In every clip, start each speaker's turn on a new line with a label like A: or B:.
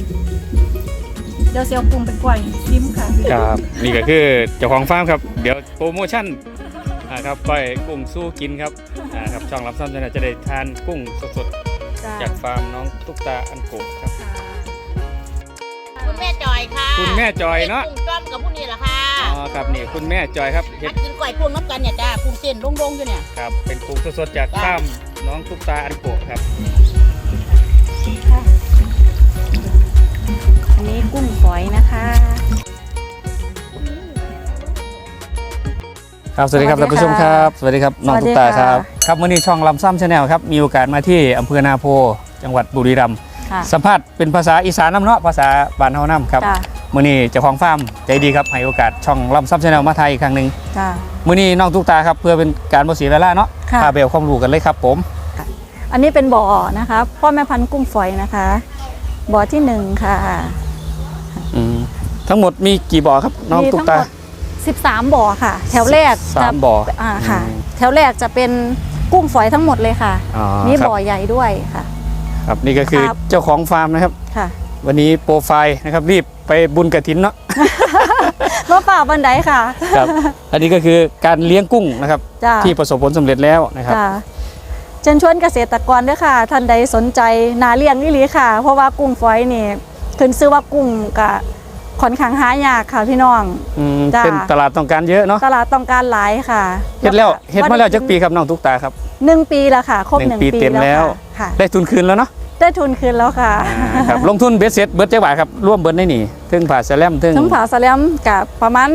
A: เดี๋ยวเซียวปรุงไปกล้วยซิมค่ะ
B: ครับนี่ก็คือเจ้าของฟาร์มครับเดี๋ยวโปรโมชั่นครับก้อยกุ้งสู้กินครับครับช่องรับซ้ำจะได้ทานกุ้งสดๆจากฟาร์มน้องตุ๊กตาอันโกะครับ
C: คุณแม่จอยค่ะ
B: คุณแม่จอยเนาะ
C: กุ้งจ้อมกับผู้นี้เหรอคะ
B: อ๋อครับนี่คุณแม่จอยครับ
C: เห็ดกินก๋วยกุ้งน้ำกันเนี่ยจ้ากุ้งเส้นลงๆอยู่เนี่ย
B: ครับเป็นกุ้งสดๆจากฟาร์มน้องตุ๊กตาอันโกะครับ
A: อันนี้กุ้งฝอยนะคะ
B: ครับสวัสดีครับท่านผู้ชมครับสวัสดีครับน้องตุ๊กตาครับครับวันนี้ช่องลำซ้ำชาแนลครับมีโอกาสมาที่อำเภอนาโพจังหวัดบุรีรัมย์สัมภาษณ์เป็นภาษาอีสานน้ำเนาะภาษาบ้านเฮาน้ำครับมื้อนี้เจ้าของฟาร์มใจดีครับให้โอกาสช่องลำซ้ำชาแนลมาไทยอีกครั้งหนึ่งมื้อนี้น้องตุ๊กตาครับเพื่อเป็นการบ่เสียเวลาเนาะพาไปเอาความรู้กันเลยครับผม
A: อันนี้เป็นบ่อนะคะพ่อแม่พันธุ์กุ้งฝอยนะคะบ่อที่1ค่ะ
B: ทั้งหมดมีกี่บ่อครับน้องตุ๊กตา
A: 13บ่อค่ะแถวแรก
B: 3บ่อ
A: ค่ะแถวแรกจะเป็นกุ้งฝอยทั้งหมดเลยค่ะมีบ่อใหญ่ด้วยค่ะ
B: ครับนี่ก็คือเจ้าของฟาร์มนะครับ
A: ค่ะ
B: วันนี้โปรไฟล์นะครับรีบไปบุญกฐินเนาะ
A: มาป่าบันไดค่ะ
B: ครับอันนี้ก็คือการเลี้ยงกุ้งนะครับที่ประสบผลสำเร็จแล้วนะครับ
A: เชิญชวนเกษตรกรด้วยค่ะท่านใดสนใจนาเลี้ยงนี่หลีค่ะเพราะว่ากุ้งฝอยนี่ขึ้นชื่อว่ากุ้งกับค่อนข้างหายากค่ะพี่น้อง
B: เป็นตลาดต้องการเยอะเนาะ
A: ตลาดต้องการหลายค่ะ
B: เฮ็ดมาแล้วจักปีครับน้องตุ๊กตาครับ
A: 1 ปีแล้วค่ะครบ1 ปี
B: เต็มแล้วได้ทุนคืนแล้วเนาะ
A: ได้ทุนคืนแล้วค่ะ
B: ครับลงทุนเบ็ดเสร็จเบิดจักบาทครับร่วมเบิดได้นี่ถึงผ่าแซลมถึง
A: ผ่าแซลมกับประมาณ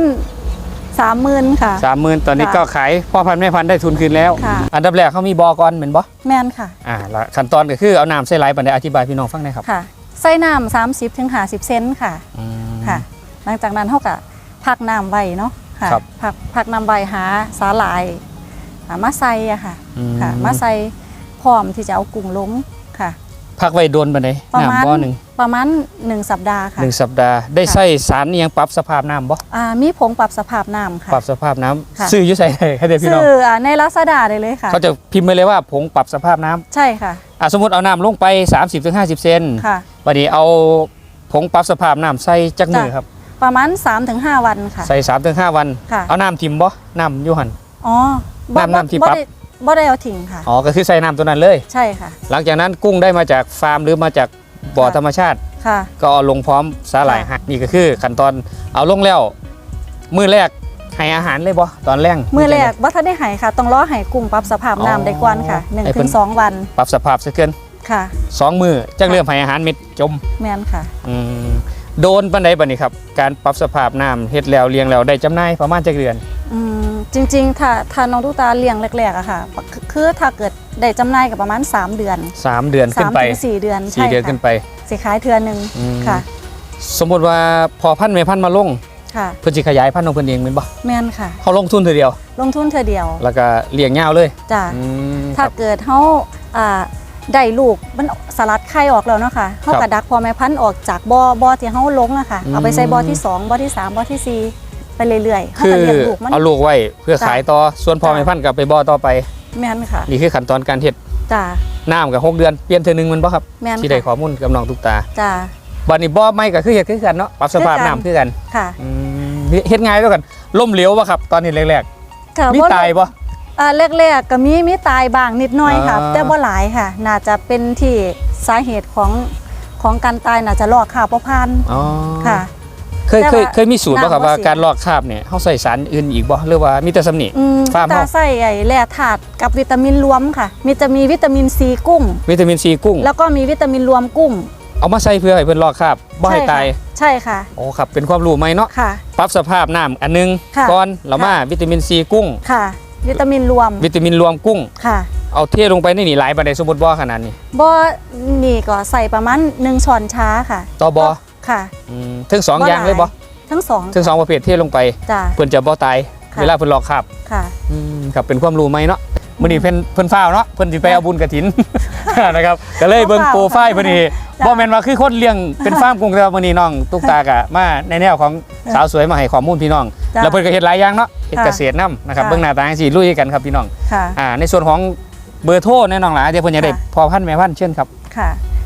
A: 30,000ค่ะ
B: 30,000ตอนนี้ก็ขายพ่อพันธุ์แม่พันธุ์ได้ทุนคืนแล้วอันดับแรกเขามีบ่อก่อนเหมือนบ่
A: แม่นค่ะ
B: แล้วขั้นตอนก็คือเอาน้ำใส่ไหลปานใดอธิบายพี่น้องฟังหน่อยครับ
A: ค่ะใส่น้ำ30 ถึง 50 เซนค่ะค่ะหลังจากนั้นเขาก็พักน้ำไว้เนาะค่ะพักน้ำไว้หาสาหร่ายมาใส่อะค่ะมาใส่พร้อมที่จะเอากุ้งลงค่ะ
B: พักไว้โดนปานใดน้ำบ่อนึง
A: ประมาณ1 สัปดาห์ค่ะ
B: 1 สัปดาห์ได้ใส่สารยังปรับสภาพน้ำบ่
A: มีผงปรับสภาพน้ำค่ะ
B: ปรับสภาพน้ำซื้ออยู่ใส่ให้เด็กพี่น้อง
A: ซื้อในลาซาด้าได้เลยค่ะ
B: เขาจะพิมพ์ไปเลยว่าผงปรับสภาพน้ำ
A: ใช่ค่ะ
B: สมมติเอาน้ำลงไป 30-50 เซนวันนี้เอาผงปรับสภาพน้ำใส่จักมือครับ
A: ประมาณ 3-5 วันค่ะ
B: ใส่ 3-5 วันเอาน้ำทิมบ่น้ำยูหันน้ำที่ปั๊บ
A: บ่ได้เอาทิ้งค่ะ
B: ก็คือใส่น้ำตัวนั้นเลย
A: ใช่ค่ะ
B: หลังจากนั้นกุ้งได้มาจากฟาร์มหรือมาจากบ่อธรรมชาติก็เอาลงพร้อมสาหร่ายนี่ก็คือขั้นตอนเอาลงแล้วมื้อแรกให้อาหารเลยบ่ตอนแรก
A: มื้อแรกบ่ทันได้ให้ค่ะต้องรอให้กุ้งปรับสภาพน้ำได้ก่อนค่ะ 1-2 วัน
B: ปรับสภาพซะเกิน
A: ค่ะ
B: 2 มื้อจักเริ่มให้อาหารเม็ดจม
A: แม่นค่ะ
B: โดนปานใดบัดนี้ครับการปรับสภาพน้ำเฮ็ดแล้วเลี้ยงแล้วได้จำหน่ายประมาณจักเดือน
A: จริงๆถ้าน้องตุ๊กตาเลี้ยงแรกๆอะค่ะคือถ้าเกิดได้จำหน่ายกับประมาณ3 เดือน
B: 3 เดือนขึ้นไป
A: 4 เดือน
B: 4 เดือนขึ้นไป
A: สิขายเทื่อนึงค่ะ
B: สมมติว่าพอพันธุ์แม่พันธุ์มาลงเพิ่นสิขยายพันธุ์ของเพิ่นเองแม่นบ่
A: แม่นค่ะ
B: เขาลงทุนเทื่อเดียว
A: แล้ว
B: ก็เลี้ยงยาวเลย
A: จ้ะถ้าเกิดเฮาได้ลูกมันสลัดไข่ออกแล้วเนาะค่ะเขากระดักพอแม่พันธุ์ออกจากบ่อที่เขาลงอะค่ะเอาไปใส่บ่อที่2บ่อที่3บ่อที่4ไปเรื่อยๆเขาก็เลี้ยงลูกมัน
B: เอาลูกไว้เพื่อขายต่อส่วนพอแม่พันธุ์กับไปบ่อต่อไป
A: แม่นค่ะ
B: นี่คือขั้นตอนการเฮ็ด
A: จ้า
B: น้ำกับ6 เดือนเปลี่ยนเทื่อนึงมันบ่ครับที่ได้ข้อมูลกับน้องตุ๊กตา
A: จ้า
B: บัดนี้บ่อใหม่ก็คือเฮ็ดคือกันเนาะปรับสภาพน้ำคือกัน
A: ค่ะ
B: เฮ็ดง่ายด้วยกันล่มเหลวบ่ครับตอนนี้แรกๆมีตายบ่
A: แรกๆก็มีตายบ้างนิดหน่อยค่ะแต่บ่หลายค่ะน่าจะเป็นที่สาเหตุของการตายน่าจะลอกคราบบ่ผ่านค่ะ
B: เคยมีสูตรป่ะครับว่าการลอกคราบเนี่ยเขาใส่สารอื่นอีกบ่หรือว่ามีแต่สำนี
A: ฟาร์มเขาใส่แร่ธาตุกับวิตามินรวมค่ะจะมีวิตามินซีกุ้งแล้วก็มีวิตามินรวมกุ้ง
B: เอามาใส่เพื่อให้เพิ่นลอกคราบบ่ให้ตาย
A: ใช่ค่ะ
B: โอ้ครับเป็นความรู้ใหม่เนาะปรับสภาพน้ำอันนึงก่อนแล้วมาวิตามินซีกุ้ง
A: ค่ะวิตามินรวมกุ้ง
B: ค่ะเอาเทลงไปในนี่หลายปานใดสมมุติบ่ขนาดนี้
A: บ่นี่ก็ใส่ประมาณ1 ช้อนชาค่ะ
B: ต่อบ่
A: ค่ะ
B: ทั้ง2อย่างเลยบ่
A: ทั้ง
B: 2ประเภทเทลงไปเพิ่นจะบ่ตายเวลาเพิ่นลอกคราบ
A: ค่ะ
B: ครับเป็นความรู้ใหม่เนาะมื้อนี้เพิ่นฟ้าวเนาะเพิ่นสิไปเอาบุญกฐินนะครับก็เลยเบิ่งโปรไฟล์เพิ่นนี่บ่แม่นว่าคือคนเลี้ยงเป็นฟาร์มกุ้งแต่ว่ามื้อนี้น้องตุ๊กตากะมาในแนวของสาวสวยมาให้ข้อมูลพี่น้องแล้วเพิ่นก็เฮ็ดหลายอย่างเนาะเฮ็ดเกษตรนำนะครับเบิ่งหน้าตาจังซี่ลุยกันครับพี่น้องในส่วนของเบอร์โทรแน่น้องหลาเดี๋ยวเพิ่นจะได้พอพันธุ์แม่พันธุ์เชิญครับ
A: ค่ะ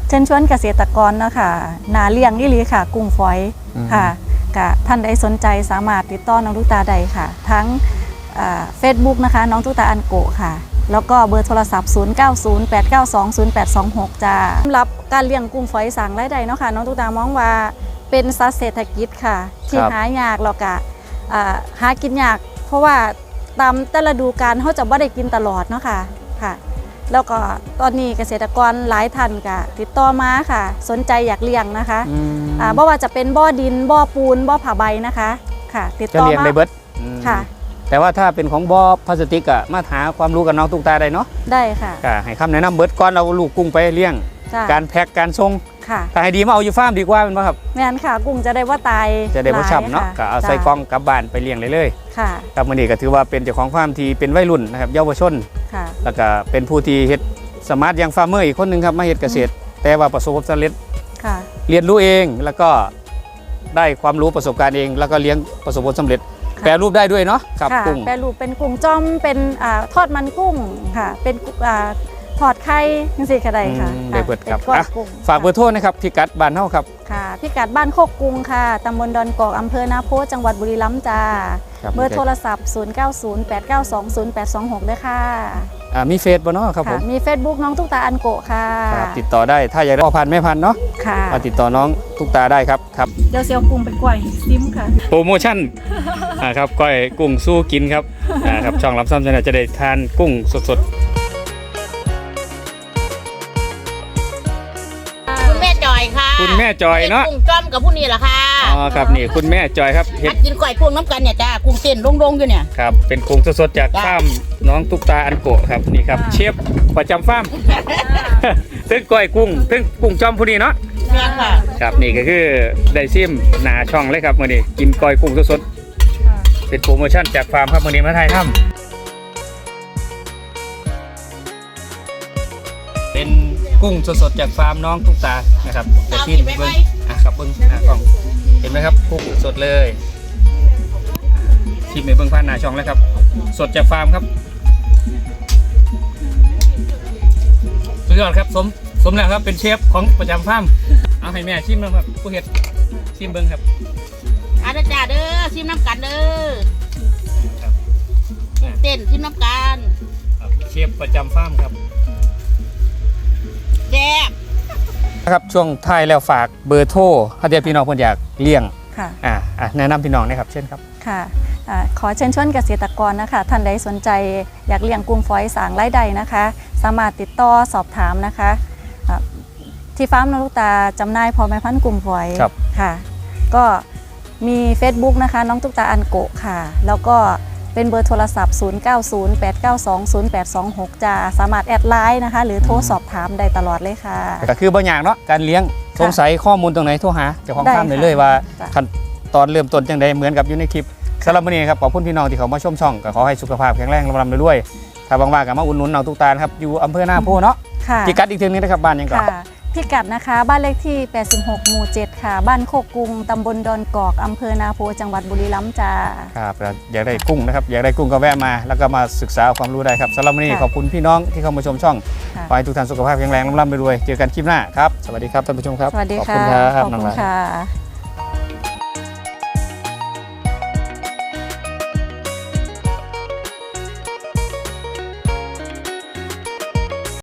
A: เชิญชวนเกษตรกรเนาะค่ะนาเลี้ยงอีหลีค่ะกุ้งฝอยค่ะกะท่านใดสนใจสามารถติดต่อน้องตุ๊กตาได้ค่ะทั้งFacebook นะคะน้องตุ๊กตาอันโกะค่ะแล้วก็เบอร์โทรศัพท์ 0908920826 จ้าสำหรับการเลี้ยงกุ้งฝอยสั่งรายได้เนาะค่ะน้องตุ๊กตามองว่าเป็นสัตว์เศรษฐกิจค่ะที่หายากแล้วก็หากินยากเพราะว่าตามแต่ละฤดูกาลเขาจะไม่ได้กินตลอดเนาะค่ะแล้วก็ตอนนี้เกษตรกรหลายท่านก็ติดต่อมาค่ะสนใจอยากเลี้ยงนะคะบ่ว่าจะเป็นบ่อดินบ่อปูนบ่อผ้าใบนะคะค่ะติดต่อมา
B: จะเลี้ยงได้เบิด
A: ค่ะ
B: แต่ว่าถ้าเป็นของบ่อพลาสติกอะมาหาความรู้กับน้องตุ๊กตาได้เนาะ
A: ได้ค่ะ
B: ให้คำแนะนำเบิดก่อนเอาลูกกุ้งไปเลี้ยงการแพ็คการส่งถ้าให้ดีมาเอาอยู่ฟาร์มดีกว่าเป็นป่ะครับ
A: แม่นค่ะกุ้งจะได้ว่าตาย
B: จะได้บ่ช้ำเนาะก็เอาใส่กล่องกลับบ้านไปเลี้ยงเลย
A: ค่ะ
B: ครับมื้อนี้ก็ถือว่าเป็นเจ้าของฟาร์มที่เป็นวัยรุ่นนะครับเยาวชนแล้วก็เป็นผู้ที่เฮ็ดสมาร์ทยังฟาร์มเมอร์อีกคนนึงครับมาเฮ็ดเกษตรแต่ว่าประสบความสำเร็จเรียนรู้เองแล้วก็ได้ความรู้ประสบการณ์เองแล้วก็เลี้ยงประสบความสำเร็จแปรรูปได้ด้วยเนาะครับกุ้ง
A: แปรรูปเป็นกุ้งจ้อมเป็นทอดมันกุ้งค่ะเป็นทอดไข่จังซี่ก็ได้ค่ะ
B: ได้เบิดครับฝากเบอร์โทรนะครับพิกัดบ้านเฮาครับ
A: ค่ะพิกัดบ้านโคกกุ้งค่ะตำบลดอนกอกอำเภอนาโพจังหวัดบุรีรัมย์จ้าเบอร์โทรศัพท์0908920826ด้วยค่ะ
B: มีเฟซบ่เนาะครับผม
A: มี Facebook น้องตุ๊กตาอันโกะค่ะ
B: ติดต่อได้ถ้าอยากได้พ่อพันธุ์แม่พันธุ์เนาะมาติดต่อน้องตุ๊กตาได้ครับ
A: เดี๋ยวเซียวกุ้งไปกล้วยซิมค่ะ
B: โปรโมชั่นครับก้อยกุ้งสู้กินครับครับช่องรับซ้ำจะได้ทานกุ้งสด
C: คุณแม่จอยค่ะ
B: คุณแม่จอยเนาะ
C: กุ้งจ้อมกับผู้นี้แหละค่ะ
B: อ๋อครับนี่คุณแม่จอยครับ
C: เห็ดกินก่อยกุ้งน้ำกันเนี่ยจ้ากุ้งเต้นลงอยู่เนี่ย
B: ครับเป็นกุ้งสดๆจากฟาร์มน้องตุ๊กตาอันโกะครับนี่ครับเชฟประจำฟาร์มถึงก้อยกุ้งถึงกุ้งจ้อมผู้นี้เนาะ
C: แม่ค่ะ
B: ครับนี่ก็คือได้ซิมหนาช่องเลยครับมื้อนี้กินก้อยกุ้งสดๆเป็นโปรโมชั่นจากฟาร์มครับมื้อนี้มาไทยทำเป็นกุ้งสดๆจากฟาร์มน้องตุ๊กตานะครับจะชิมเบิ้งครับเบิ้งกล่องเห็นไหมครับกุ้งสดเลยชิมในเบิ้งผ่านหน้าช่องแล้วครับสดจากฟาร์มครับสุดยอดครับสมแล้วครับเป็นเชฟของประจำฟาร์มเอาให้แม่ชิมบ้างครับผู้เฮ็ดชิมเบิ้งครับ
C: อาจารย์เด้อชิมน้ำกันเด้อเต้นชิมน้ำกัน
B: เชฟประจำฟาร์มครับ
C: แซ่บ
B: ครับช่วงท้ายแล้วฝากเบอร์โทรถ้าเดี๋ยวพี่น้องคนอยากเลี้ยงแนะนำพี่น้องนะครับเช่นครับ
A: ค่ะขอเชิญชวนเกษตรกรนะคะท่านใดสนใจอยากเลี้ยงกุ้งฝอยสางรายได้นะคะสามารถติดต่อสอบถามนะคะที่ฟาร์มน้องตุ๊กตาจำหน่ายพอแม่พันธุ์กุ้งฝอยค่ะก็มี Facebook นะคะน้องตุ๊กตาอันโกะค่ะแล้วก็เป็นเบอร์โทรศัพท์0908920826จะสามารถแอดไลน์นะคะหรือโทรสอบถามได้ตลอดเลยค่ะ
B: ก็คือบางอย่างเนาะการเลี้ยงสงสัยข้อมูลตรงไหนโทรหาเจ้าของฟาร์มเลยว่าขั้นตอนเริ่มต้นจังใดเหมือนกับอยู่ในคลิปสำหรับวันนี้ครับขอบคุณพี่น้องที่เขามาชมช่องก็ขอให้สุขภาพแข็งแรงร่ำรวยถ้าบางว่ากับมาอุ่นนุนน้องตุ๊กตาครับอยู่อำเภอหน้าโพเนาะพิกัดอีกทีนึงนะครับบ้านยังก่อน
A: พิกัดนะคะบ้านเลขที่86หมู่7ค่ะบ้านโคกกุ้งตำบลดอนกอกอำเภอนาโพจังหวัดบุรีรัมย์จ้า
B: ครับอยากได้กุ้งนะครับอยากได้กุ้งก็แวะมาแล้วก็มาศึกษาความรู้ได้ครับสำหรับวันนี้ขอบคุณพี่น้องที่เข้ามาชมช่องขอให้ทุกท่านสุขภาพแข็งแรงร่ำรวยเจอกันคลิปหน้าครับสวัสดีครับท่านผู้ชมครับ
A: สวัสดีค่ะขอบคุณค่ะ